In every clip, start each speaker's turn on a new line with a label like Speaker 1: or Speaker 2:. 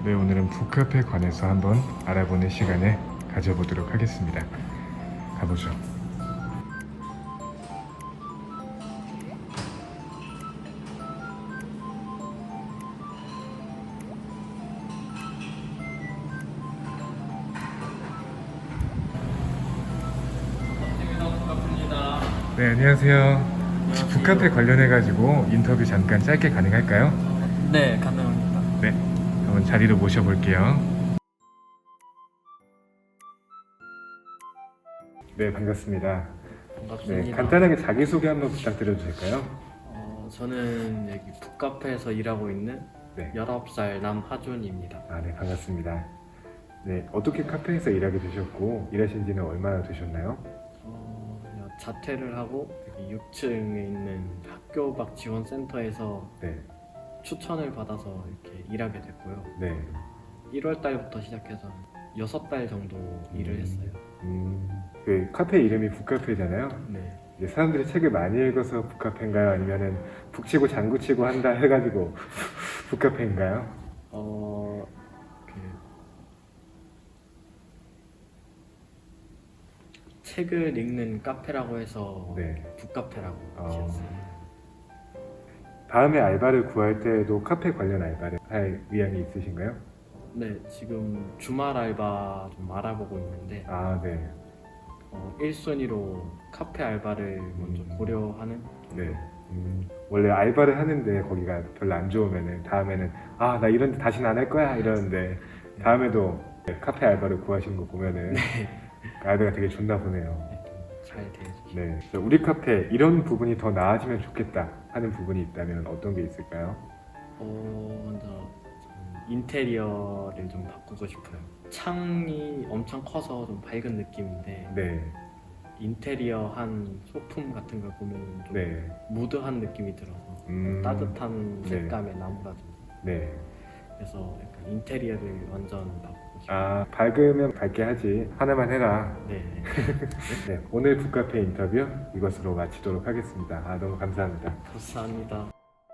Speaker 1: 네, 오늘은 북카페에 관해서 한번 알아보는 시간을 가져보도록 하겠습니다. 가보죠. 네, 안녕하세요. 혹시 북카페 관련해가지고 인터뷰 잠깐 짧게 가능할까요?
Speaker 2: 네, 가능합니다.
Speaker 1: 네, 한번 자리로 모셔볼게요. 네, 반갑습니다.
Speaker 2: 반갑습니다.
Speaker 1: 네, 간단하게 자기소개 한번 부탁드려도 될까요?
Speaker 2: 저는 여기 북카페에서 일하고 있는
Speaker 1: 네.
Speaker 2: 19살 남하준입니다.
Speaker 1: 네, 반갑습니다. 네, 어떻게 카페에서 일하게 되셨고 일하신 지는 얼마나 되셨나요?
Speaker 2: 자퇴를 하고 여기 6층에 있는 학교 밖 지원센터에서
Speaker 1: 네,
Speaker 2: 추천을 받아서 이렇게 일하게 됐고요.
Speaker 1: 네.
Speaker 2: 1월 달부터 시작해서 6달 정도 일을 했어요.
Speaker 1: 그 카페 이름이 북카페잖아요.
Speaker 2: 네.
Speaker 1: 이제 사람들이 책을 많이 읽어서 북카페인가요? 아니면은 북치고 장구치고 한다 해가지고 북카페인가요?
Speaker 2: 그 책을 읽는 카페라고 해서
Speaker 1: 네.
Speaker 2: 북카페라고
Speaker 1: 어.
Speaker 2: 지었어요.
Speaker 1: 다음에 알바를 구할 때도 카페 관련 알바를 할 의향이 있으신가요?
Speaker 2: 네, 지금 주말 알바 좀 알아보고 있는데
Speaker 1: 네.
Speaker 2: 1순위로 카페 알바를 먼저 고려하는.
Speaker 1: 네. 원래 알바를 하는데 거기가 별로 안 좋으면은 다음에는 나 이런 데 다시는 안 할 거야 이러는데 다음에도 카페 알바를 구하시는 거 보면은 알바가 되게 좋나 보네요.
Speaker 2: 잘 대해주시고.
Speaker 1: 네. 우리 카페 이런 부분이 더 나아지면 좋겠다 하는 부분이 있다면 어떤 게 있을까요?
Speaker 2: 먼저 저는 인테리어를 좀 바꾸고 싶어요. 창이 엄청 커서 좀 밝은 느낌인데
Speaker 1: 네.
Speaker 2: 인테리어 한 소품 같은 걸 보면 좀
Speaker 1: 네.
Speaker 2: 무드한 느낌이 들어서 따뜻한
Speaker 1: 네.
Speaker 2: 색감의 나무라든지
Speaker 1: 네.
Speaker 2: 그래서 약간 인테리어를 완전 바꾸고 싶어요.
Speaker 1: 밝으면 밝게 하지 하나만 해라.
Speaker 2: 네.
Speaker 1: 네. 오늘 북카페 인터뷰 이것으로 마치도록 하겠습니다. 너무 감사합니다.
Speaker 2: 감사합니다.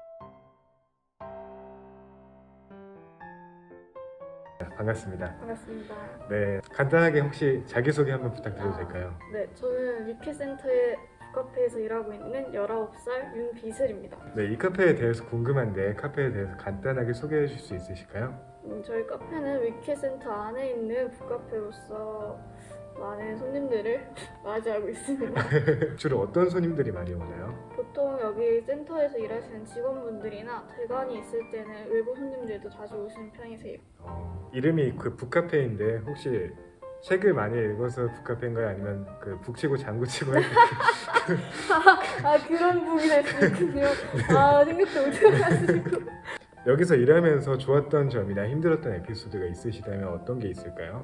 Speaker 1: 반갑습니다.
Speaker 3: 반갑습니다.
Speaker 1: 네, 간단하게 혹시 자기소개 한번 부탁드려도 될까요?
Speaker 3: 네, 저는 위키센터의 북카페에서 일하고 있는 19살 윤비슬입니다.
Speaker 1: 네, 이 카페에 대해서 궁금한데 카페에 대해서 간단하게 소개해 주실 수 있으실까요?
Speaker 3: 저희 카페는 위키센터 안에 있는 북카페로서 많은 손님들을 맞이하고 있습니다.
Speaker 1: 주로 어떤 손님들이 많이 오나요?
Speaker 3: 보통 여기 센터에서 일하시는 직원분들이나 대관이 있을 때는 외부 손님들도 자주 오시는 편이세요.
Speaker 1: 이름이 그 북카페인데 혹시 책을 많이 읽어서 북카페인가요? 아니면 그 북치고 장구치고 할 때
Speaker 3: 그런 부분이 될 수 있군요. 생각도 못해가지고.
Speaker 1: 여기서 일하면서 좋았던 점이나 힘들었던 에피소드가 있으시다면 어떤 게 있을까요?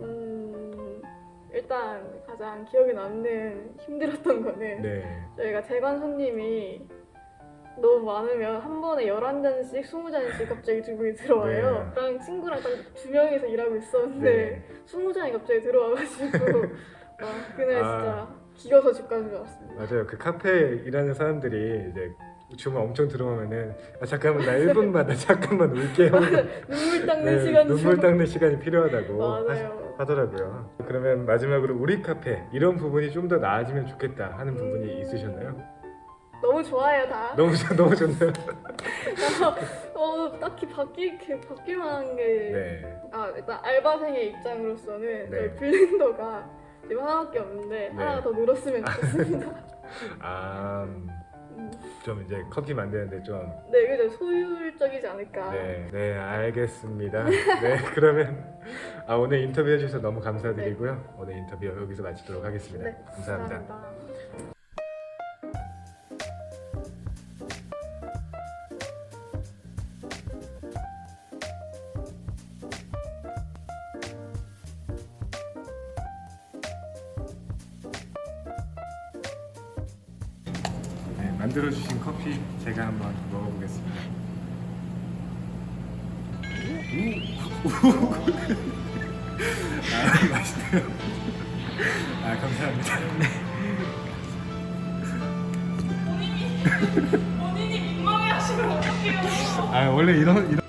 Speaker 3: 일단 가장 기억에 남는 힘들었던 거는
Speaker 1: 네.
Speaker 3: 저희가 대관 손님이 너무 많으면 한 번에 11잔씩 20잔씩 갑자기 두 분이 들어와요.
Speaker 1: 네.
Speaker 3: 저랑 친구랑 딱 두 명이서 일하고 있었는데
Speaker 1: 네.
Speaker 3: 20잔이 갑자기 들어와가지고 그날 진짜 기어서 집 가는 줄 알았습니다.
Speaker 1: 맞아요. 그 카페에 일하는 사람들이 이제 주문 엄청 들어오면은 잠깐만 나 1분만 잠깐만 울게요.
Speaker 3: 눈물 닦는
Speaker 1: 네,
Speaker 3: 시간이
Speaker 1: 눈물 닦는 시간이 필요하다고
Speaker 3: 맞아요.
Speaker 1: 하더라고요. 그러면 마지막으로 우리 카페 이런 부분이 좀 더 나아지면 좋겠다 하는 부분이 있으셨나요?
Speaker 3: 너무 좋아요 다.
Speaker 1: 너무 좋네요.
Speaker 3: 딱히 바뀔 만한 게
Speaker 1: 네.
Speaker 3: 일단 알바생의 입장으로서는
Speaker 1: 네.
Speaker 3: 저희 블렌더가 지금 하나밖에 없는데
Speaker 1: 네.
Speaker 3: 하나가 더 늘었으면 좋겠습니다.
Speaker 1: 좀 이제 커피 만드는데 좀
Speaker 3: 네, 그죠. 소율적이지 않을까.
Speaker 1: 네, 알겠습니다. 네, 그러면 오늘 인터뷰 해주셔서 너무 감사드리고요. 오늘 인터뷰 여기서 마치도록 하겠습니다.
Speaker 3: 네,
Speaker 1: 감사합니다. 네, 만들어주신 커피 제가 한번 먹어보겠습니다. 맛있네요. 감사합니다.
Speaker 4: 본인이 민망해 하시면 어떡해요?
Speaker 1: 원래 이런